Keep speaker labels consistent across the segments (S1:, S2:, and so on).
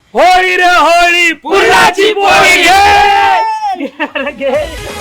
S1: होळी रे होळी पुरणाची पोळी घे.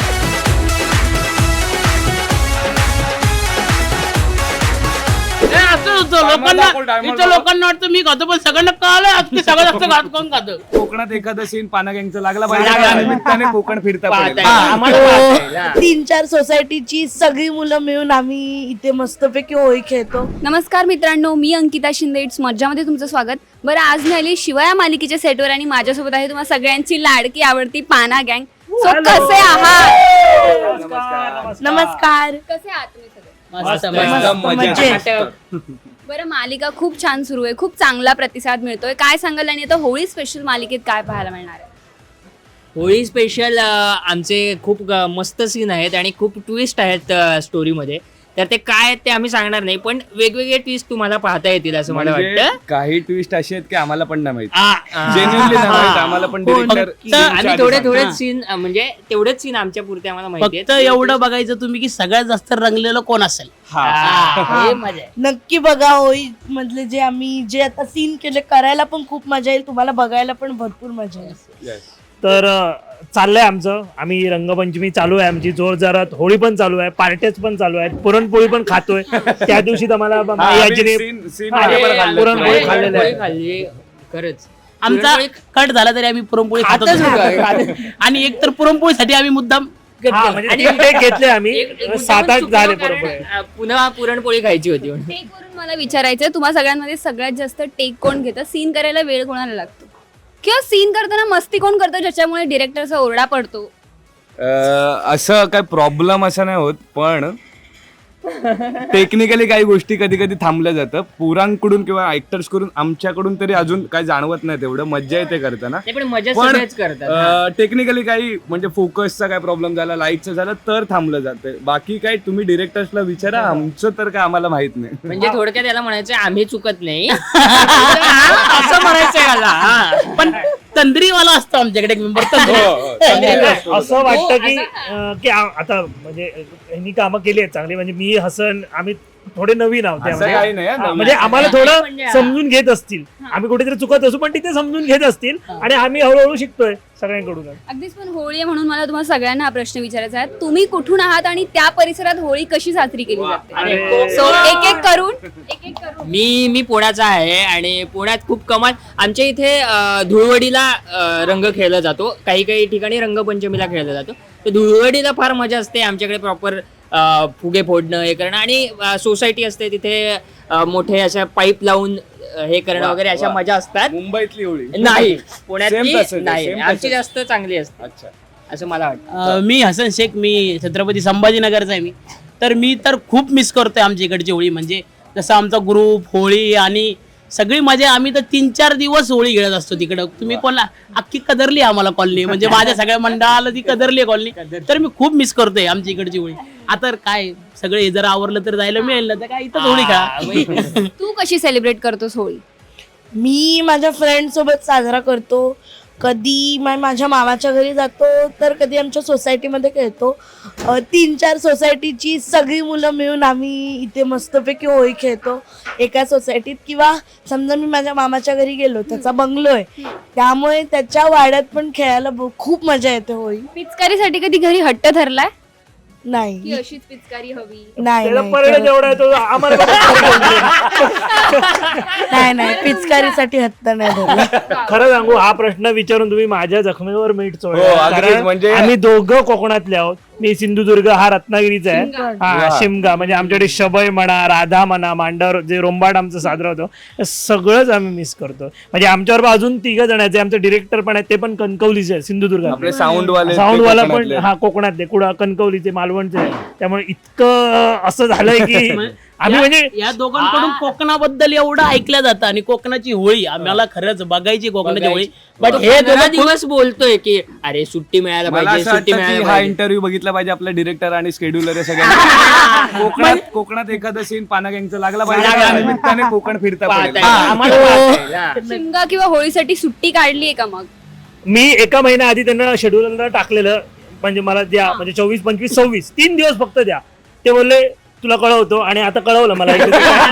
S2: असं होतं लोकांना वाटतं मी खातो पण सगळ्यांना कळलं सगळं जास्त घात कोण खातं.
S3: कोकणात एखादा सीन पाना गँगचा लागला पाहिजे त्या निमित्ताने कोकण फिरता पडेल.
S4: 3-4 सोसायटीची सगळी मुलं मिळून आम्ही इथे मस्तपैकी होळी खेळतो.
S5: नमस्कार मित्रांनो, मी अंकिता शिंदे. इट्स मज्जामध्ये तुमचं स्वागत. बरं, आज मी आली शिवया मालिकेच्या सेटवर आणि माझ्यासोबत आहे तुम्हाला सगळ्यांची लाडकी आवडती पाना गँग. सो कसे आहात?
S4: नमस्कार.
S5: कसे आहात तुम्ही सगळे? बरं, मालिका खूप छान सुरू आहे, खूप चांगला प्रतिसाद मिळतोय. काय सांगाल आणि आता होळी स्पेशल मालिकेत काय पाहायला मिळणार आहे?
S2: होळी स्पेशल आमचे खूप मस्त सीन आहेत आणि खूप ट्विस्ट आहेत स्टोरीमध्ये. तर ते काय आहेत ते आम्ही सांगणार नाही, पण वेगवेगळे ट्विस्ट तुम्हाला पाहता येतील असं मला वाटतं.
S3: काही ट्विस्ट असे आहेत की आम्हाला पण नाही माहिती, जेन्युइनली नाही माहिती आम्हाला पण.
S2: आणि थोडेच सीन म्हणजे तेवढेच सीन आमच्या पुरते आम्हाला माहिती
S6: फक्त एवढं बघायचं तुम्ही की सगळ्यात जास्त रंगलेलं कोण असेल.
S2: हे मजा आहे.
S4: नक्की बघा. होळी मधले जे आम्ही जे आता सीन केले करायला पण खूप मजा येईल, तुम्हाला बघायला पण भरपूर मजा येईल.
S1: तर चाललंय आमचं, आम्ही रंगपंचमी चालू आहे आमची जोरदारात, होळी पण चालू आहे, पार्ट्याच पण चालू आहेत, पुरणपोळी पण खातोय. त्या दिवशी आम्हाला पुरणपोळी खाल्लेली आहे.
S2: खाल्ली खरंच.
S6: आमचा कट झाला तरी आम्ही पुरणपोळी खातच आणि एक तर पुरणपोळीसाठी आम्ही मुद्दाम
S1: म्हणजे घेतले आम्ही 7-8 झाले पुरणपोळी.
S2: पुन्हा पुरणपोळी खायची होती.
S5: टेक वरून मला विचारायचंय, तुम्हा सगळ्यांमध्ये सगळ्यात जास्त टेक कोण घेतं? सीन करायला वेळ कोणाला लागतो किंवा सीन करताना मस्ती कोण करतो ज्याच्यामुळे डिरेक्टरचा ओरडा पडतो?
S3: असं काय प्रॉब्लेम असा नाही होत, पण टेक्निकली काही गोष्टी कधी कधी थांबल्या जातं पुरांकडून किंवा ऍक्टर्स कडून. आमच्याकडून तरी अजून काही जाणवत नाही तेवढं, मज्जा येते करताना.
S2: पण मजा सगळेच करतात.
S3: टेक्निकली काही म्हणजे फोकसचा काय प्रॉब्लेम झाला, लाईटचा झाला तर थांबलं जातं. बाकी काय तुम्ही डिरेक्टर्सला विचारा, आमचं तर काय आम्हाला माहित नाही.
S2: म्हणजे थोडक्यात याला म्हणायचं आम्ही चुकत नाही असं म्हणायचंय मला.
S6: पण तंद्रीवाला असतो आमच्याकडे एक मेंबर.
S1: असं वाटतं की आता म्हणजे यांनी कामं केली आहेत चांगली, म्हणजे मी हसन आम्ही थोडे नवीन आहोत
S3: काही नाही,
S1: म्हणजे आम्हाला थोडं समजून घेत असतील. आम्ही कुठेतरी चुकत असू पण तिथे समजून घेत असतील आणि आम्ही हळूहळू शिकतोय सगळ्यांकडून.
S5: अगदीच. पण होळी आहे म्हणून मला तुम्हाला सगळ्यांना हा प्रश्न विचारायचा आहे, तुम्ही कुठून आहात आणि त्या परिसरात होळी कशी साजरी केली जाते? सो एक एक करून
S2: मी पुण्याचा आहे आणि पुण्यात खूप कमाल. आमच्या इथे धुळवडीला रंग खेळला जातो, काही ठिकाणी रंगपंचमीला खेळला जातो. तर धुळवडीला फार मजा असते. आमच्याकडे प्रॉपर फुगे फोडणं हे करणं आणि सोसायटी असते तिथे मोठे अशा पाईप लावून हे करणं वगैरे अशा मजा असतात.
S3: मुंबईतली होळी
S2: नाही, पुण्यातली नाही, आमची जास्त चांगली असते.
S3: अच्छा,
S2: असं मला वाटतं.
S6: मी हसन शेख, मी छत्रपती संभाजीनगरचा आहे. मी तर खूप मिस करतोय आमच्या इकडची होळी. म्हणजे जसं आमचा ग्रुप होळी आणि सगळी मजा. आम्ही तर 3-4 दिवस होळी खेळत असतो तिकडं. तुम्ही कोणला अख्खी कदरली आम्हाला कॉलनी, म्हणजे माझ्या सगळ्या मंडळाला ती कदरली कॉलनी. तर मी खूप मिस करतोय आमच्या इकडची होळी. आता काय सगळे जर आवरलं तर जायला मिळेल ना, तर काय इथं होळी खेळा.
S5: तू कशी सेलिब्रेट करतोस होळी?
S4: मी माझ्या फ्रेंड सोबत साजरा करतो. कधी माझ्या मामाच्या घरी जातो, तर कधी आमच्या सोसायटीमध्ये खेळतो. 3-4 सोसायटीची सगळी मुलं मिळून आम्ही इथे मस्तपैकी होळी खेळतो एका सोसायटीत. किंवा समजा मी माझ्या मामाच्या घरी गेलो, त्याचा बंगलो आहे, त्यामुळे त्याच्या वाड्यात पण खेळायला खूप मजा येते होळी.
S5: पिचकारीसाठी कधी घरी हट्ट धरलाय की
S4: नाही
S5: अशीच पिचकारी हवी?
S4: नाही नाही, पिचकारीसाठी हट्ट नाही धरला.
S1: खरं सांगू, हा प्रश्न विचारून तुम्ही माझ्या जखमेवर मीठ
S3: अगदीच.
S1: चोळलं.
S3: म्हणजे
S1: आम्ही दोघं कोकणातले आहोत. मी सिंधुदुर्ग, हा रत्नागिरीचा आहे. हा शिमगा, म्हणजे आमच्याकडे शबय म्हणा, राधा म्हणा, मांडर जे रोंबाड आमचं साजरा होतं, हे सगळंच आम्ही मिस करतो. म्हणजे आमच्यावर अजून 3 जण आहेत. आमचे डिरेक्टर पण आहेत, ते पण कणकवलीचे आहे, सिंधुदुर्ग.
S3: साऊंडवाला
S1: पण हा कोकणातले, कुडा कणकवलीचे, मालवणचे आहे. त्यामुळे इतकं असं झालंय की आम्ही म्हणजे
S6: या दोघांकडून कोकणाबद्दल एवढं ऐकलं जातं आणि कोकणाची होळी आम्हाला खरंच बघायची कोकणाची होळी. बट हे
S2: 2 दिवस बोलतोय की अरे सुट्टी मिळायला पाहिजे, सुट्टी मिळायला
S3: हा
S2: पाहिजे.
S3: इंटरव्ह्यू बघितला पाहिजे आपला डिरेक्टर आणि शेड्युलर सगळ्यांना. कोकणात एखादा सीन पाना गँगचा लागला पाहिजे त्या निमित्ताने कोकण फिरता पडेल.
S5: शिमगा किंवा होळीसाठी सुट्टी काढली का? मग
S1: मी एका महिन्या आधी त्यांना शेड्यूलला टाकलेलं, म्हणजे मला द्या, म्हणजे 24, 25, 26 3 दिवस फक्त द्या. ते बोलले तुला कळवतो आणि आता कळवलं मला इकडे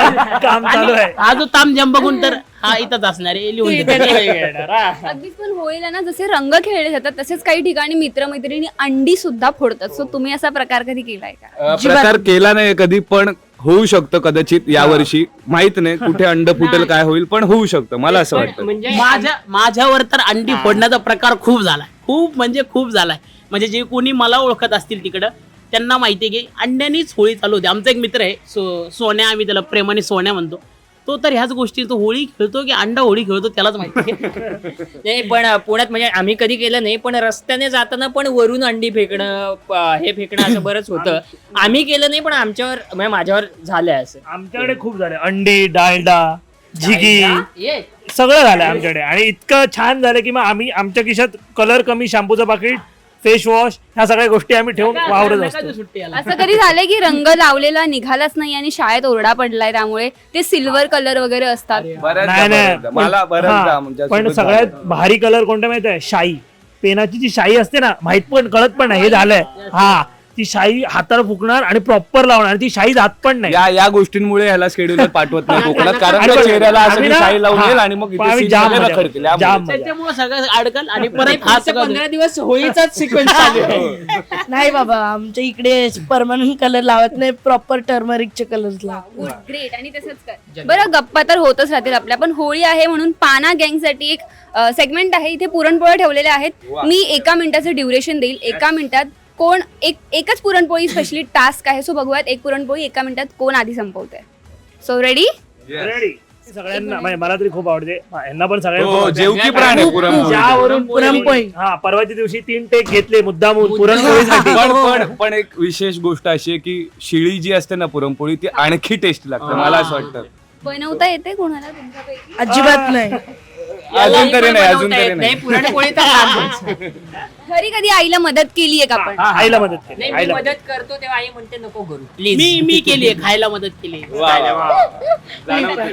S1: काम चालू आहे.
S6: हा जो तामझाम बघून तर हा इथंच असणार आहे, लिहून देतो.
S5: अगदीच. पण होळीला ना जसे रंग खेळले जातात तसेच काही ठिकाणी मित्रमैत्रिणी अंडी सुद्धा फोडतात. सो तुम्ही असा प्रकार कधी केलाय का?
S3: प्रकार केला नाही कधी, पण होऊ शकतं कदाचित यावर्षी. माहित नाही कुठे अंड फुटेल काय होईल, पण होऊ शकतं मला असं वाटतं.
S2: म्हणजे
S6: माझ्यावर तर अंडी फोडण्याचा प्रकार खूप झालाय, खूप म्हणजे खूप झालाय. म्हणजे जे कोणी मला ओळखत असतील तिकडं त्यांना माहिती आहे की अंड्यानीच होळी चालू होती. आमचा एक मित्र आहे सोन्या, आम्ही त्याला प्रेमाने सोन्या म्हणतो. तो तर ह्याच गोष्टी, तो होळी खेळतो की अंडा होळी खेळतो त्यालाच माहिती.
S2: नाही, पण पुण्यात म्हणजे आम्ही कधी केलं नाही, पण रस्त्याने जाताना पण वरून अंडी फेकणं हे फेकणं असं बरंच होतं. आम्ही केलं नाही, पण आमच्यावर म्हणजे माझ्यावर झालंय असं.
S1: आमच्याकडे खूप झाले अंडी, डालडा, झिगी
S2: ये.
S1: सगळं झालं आमच्याकडे. आणि इतकं छान झालं की मग आम्ही आमच्या खिशात कलर कमी, शॅम्पूचं पाकिट, फेस वॉश, ह्या सगळ्या गोष्टी आम्ही ठेवून वावरत असतो.
S6: सुट्टी आला.
S5: असं कधी झालंय की रंग लावलेला निघालाच नाही आणि शाळेत ओरडा पडलाय त्यामुळे ते सिल्वर कलर वगैरे असतात?
S3: बऱ्याचदा मला बऱ्याचदा
S1: हा,
S3: म्हणजे
S1: पण
S3: असं
S1: सगळ्यात
S3: झालं.
S1: भारी कलर कोणता माहिती आहे? शाई. पेनाची जी शाई असते ना, माहित पण कळत पण नाही हे झालंय. हा, ती शाई हाताला फुकणार आणि प्रॉपर लावणार आणि ती शाई जात पण नाही.
S3: या गोष्टींमुळे ह्याला शेड्यूलर पाठवत नाही कोकणात, कारण
S1: आणि
S3: त्या
S1: पण
S3: चेहऱ्याला असं
S1: आम्ही
S3: की
S1: ना-
S3: शाई लावून
S1: हा,
S3: येईल आणि मग
S1: पण आम्ही जाम मजा करतो.
S3: खडतील.
S1: जाम मजा.
S6: त्याच्यामुळे सगळं अडकल आणि परत
S2: परत
S6: हा
S2: 15 दिवस होळीचाच सिक्वेन्स चालू आहे.
S4: नाही बाबा, आमच्या इकडे परमनंट कलर लावत नाही, प्रॉपर टर्मरिकचे कलर्स लावतात.
S5: ग्रेट. आणि तसंच कर. बरं, गप्पा तर होतच राहतील आपल्या, पण होळी आहे म्हणून पाना गँग साठी एक सेगमेंट आहे. इथे पुरणपोळ्या ठेवलेल्या आहेत. मी 1 मिनिटाचं ड्युरेशन देईल. 1 मिनिटात कोण एकच पुरणपोळी स्पेशली टास्क आहे. सो बघूयात एक पुरणपोळी 1 मिनिटात कोण आधी संपवतंय. So ready?
S1: रेडी? सगळ्यांना म्हणजे मला तरी खूप आवडते, यांना पण सगळ्यांना खूप
S3: हो,
S1: आवडते.
S3: जेवकी प्राण आहे पुरणपोळी.
S1: ज्यावरून
S4: पुरणपोळी.
S1: हा, परवाच्या दिवशी 3 टेक घेतले मुद्दामून पुरणपोळीसाठी.
S3: पण एक विशेष गोष्ट अशी आहे की शिळी जी असते ना पुरणपोळी ती आणखी टेस्ट लागते मला असं वाटतं.
S5: बनवता येते कोणाला तुमच्यापैकी?
S4: अजिबात नाही.
S3: अजून तरी नाही, अजून
S2: बनवता
S3: तरी
S2: येत
S3: नाही.
S2: पुरणपोळी तर लांबच.
S5: घरी कधी आईला मदत केली आहे का आपण?
S1: हा, आईला मदत केली.
S2: नाही, मी
S1: आईला
S2: मदत करतो तेव्हा आई म्हणते नको करू प्लीज.
S6: मी केली खायला मदत केली.
S3: वा, वा, वा.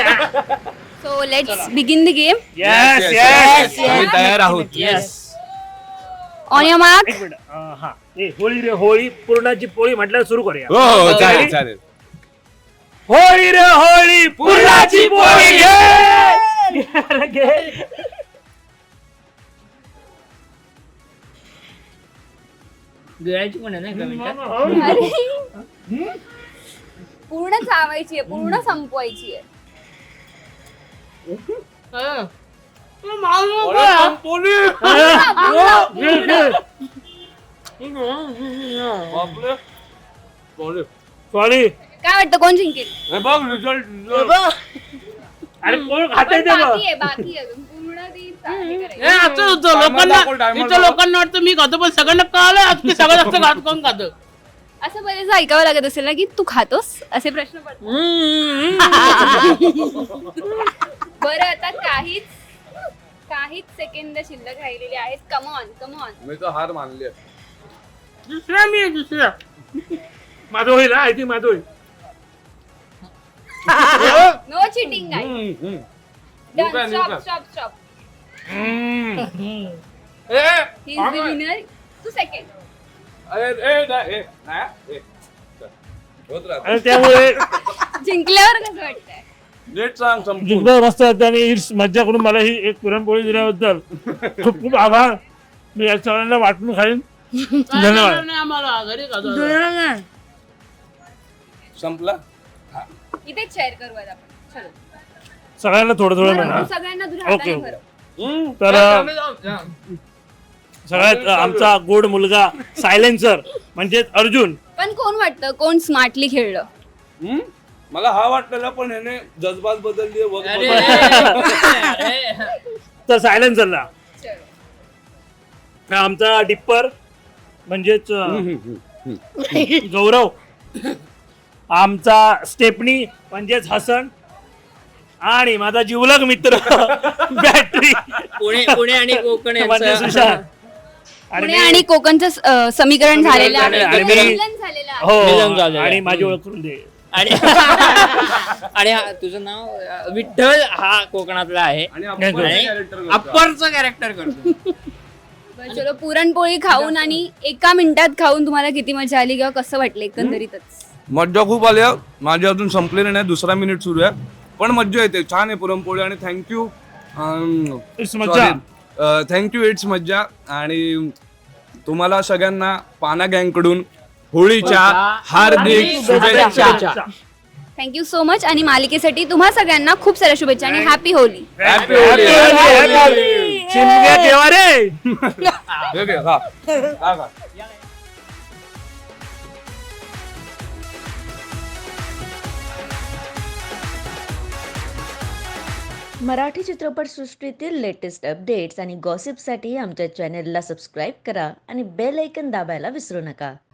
S5: So let's begin the game.
S1: Yes
S3: Yes, आम्ही तयार आहोत.
S2: येस.
S5: On your mark.
S1: एक मिनिट. हा, होळी रे होळी, पुरणाची पोळी म्हटल्यावर सुरू करूया.
S3: हो हो चालेल चालेल.
S1: होळी रे होळी, पुरणाची पोळी घे.
S2: गिळायची पण आहे ना एका मिनिटात.
S5: अरे, पूर्ण चावायची आहे, पूर्ण संपवायची आहे.
S1: सॉरी.
S5: काय वाटतं कोण जिंकेल?
S1: अरे कोण खाते ते बघ.
S5: बाकी आहे पूर्ण ती चाळणी करायची.
S6: हे असं होतं लोकांना वाटतं मी खातो, पण सगळ्यांना कळलं सगळं जास्त घात कोण खातं.
S5: असं बरेच ऐकावं लागत असेल ना की तू खातोस असे प्रश्न पडतात. बरं, आता काहीच सेकंद शिल्लक राहिलेले आहेत. कमॉन.
S3: मी तर हार मानली.
S6: दुसरा
S1: माझं होईल हा, I think माझं होईल.
S5: No cheating guys. Done. Stop. He is the winner. तू सेकंड.
S1: आणि त्यामुळे
S5: जिंकल्यावर कसं वाटतंय?
S3: नीट सांग संपूर्ण.
S1: जिंकलं मस्त वाटतं आणि ही मज्जा करून मला ही एक पुरणपोळी दिल्याबद्दल खूप खूप आभार. मी या सगळ्यांना वाटून खाईन. धन्यवाद.
S6: नाही, आम्हाला घरी खातो.
S3: संपला.
S5: इथेच शेअर करूयात आपण. चलो.
S1: सगळ्यांना थोडं मिळणार.
S5: सगळ्यांना तुझ्या
S1: ओके,
S5: हाताने भरव.
S1: तर सगळ्यात आमचा गोड मुलगा सायलेन्सर म्हणजेच अर्जुन.
S5: पण कोण वाटतं कोण स्मार्टली खेळलं?
S3: मला हा वाटलेला, पण ह्याने जज्बात बदलली.
S1: तर सायलेन्सरला
S5: चलो.
S1: आमचा डिप्पर म्हणजेच गौरव, आमचा स्टेपनी म्हणजेच हसन, आणि माझा जिवलग मित्र बॅटरी
S2: पुणे आणि कोकण
S1: म्हणजे
S2: यांचं
S1: सुशांत.
S5: पुणे आणि कोकणचं समीकरण झालेलं आहे.
S1: आणि मी-
S5: मिलन झालेलं आहे.
S2: मिलन
S1: हो,
S2: झालेलं
S1: आणि
S2: आहे.
S1: माझी ओळख करून दे.
S2: आणि तुझं नाव विठ्ठल हा कोकणातला आहे
S3: आणि
S2: अप्परचं कॅरेक्टर करतो.
S5: बरं, चलो. पुरणपोळी खाऊन आणि 1 मिनिटात खाऊन तुम्हाला किती मजा आली किंवा कसं वाटलं एकंदरीतच?
S3: मज्जा खूप आली आहे. माझी अजून संपलेली नाही, दुसरा मिनिट सुरू आहे, पण मज्जा येते. छान आहे पुरणपोळी आणि थँक्यू.
S1: It's मज्जा.
S3: थँक्यू, इट्स मज्जा. आणि तुम्हाला सगळ्यांना पाना गँगकडून होळीच्या हार्दिक शुभेच्छा.
S5: Thank you so much. आणि मालिकेसाठी तुम्हा सगळ्यांना खूप साऱ्या शुभेच्छा आणि हॅपी होली.
S3: हॅपी होळी.
S1: शिमग्या केव्हा रे?
S3: हे घे, खा. खा, खा.
S7: मराठी चित्रपटसृष्टीतील लेटेस्ट अपडेट्स आणि गॉसिपसाठी आमच्या चॅनेलला सबस्क्राईब करा आणि बेल ऐकन दाबायला विसरू नका.